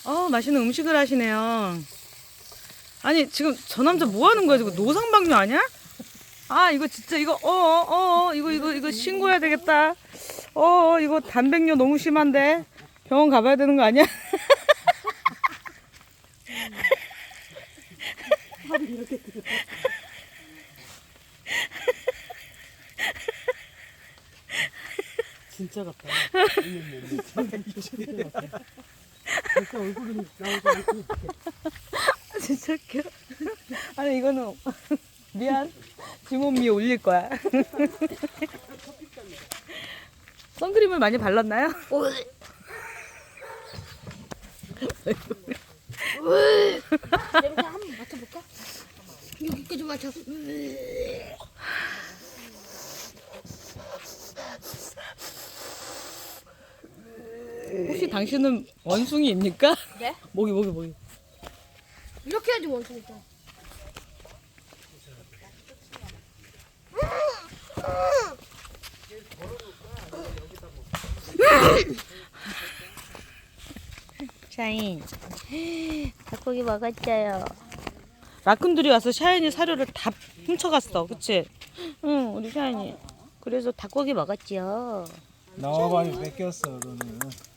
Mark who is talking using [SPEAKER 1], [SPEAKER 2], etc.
[SPEAKER 1] 맛있는 음식을 하시네요. 아니, 지금 저 남자 뭐 하는 거야? 지금 노상방뇨 아니야? 아, 이거 진짜, 이거, 이거 신고해야 되겠다. 이거 단백뇨 너무 심한데? 병원 가봐야 되는 거 아니야?
[SPEAKER 2] 진짜 같다. 벌써 얼굴이 나오지 않고.
[SPEAKER 1] 진짜 웃겨. 아니, 이거는, 미안. 지몸 위에 올릴 거야. 선크림을 많이 발랐나요?
[SPEAKER 3] 냄새 한번 맡아볼까? 여기까지 맡아.
[SPEAKER 1] 혹시 당신은 원숭이입니까?
[SPEAKER 3] 네?
[SPEAKER 1] 모기.
[SPEAKER 3] 이렇게 해야지 원숭이 있잖아.
[SPEAKER 1] 샤인. 닭고기 먹었어요. 라쿤들이 와서 샤인이 사료를 다 훔쳐갔어. 그치? 응, 우리 샤인이. 그래서 닭고기 먹었지요.
[SPEAKER 2] 나와봐니 뺏겼어 너는.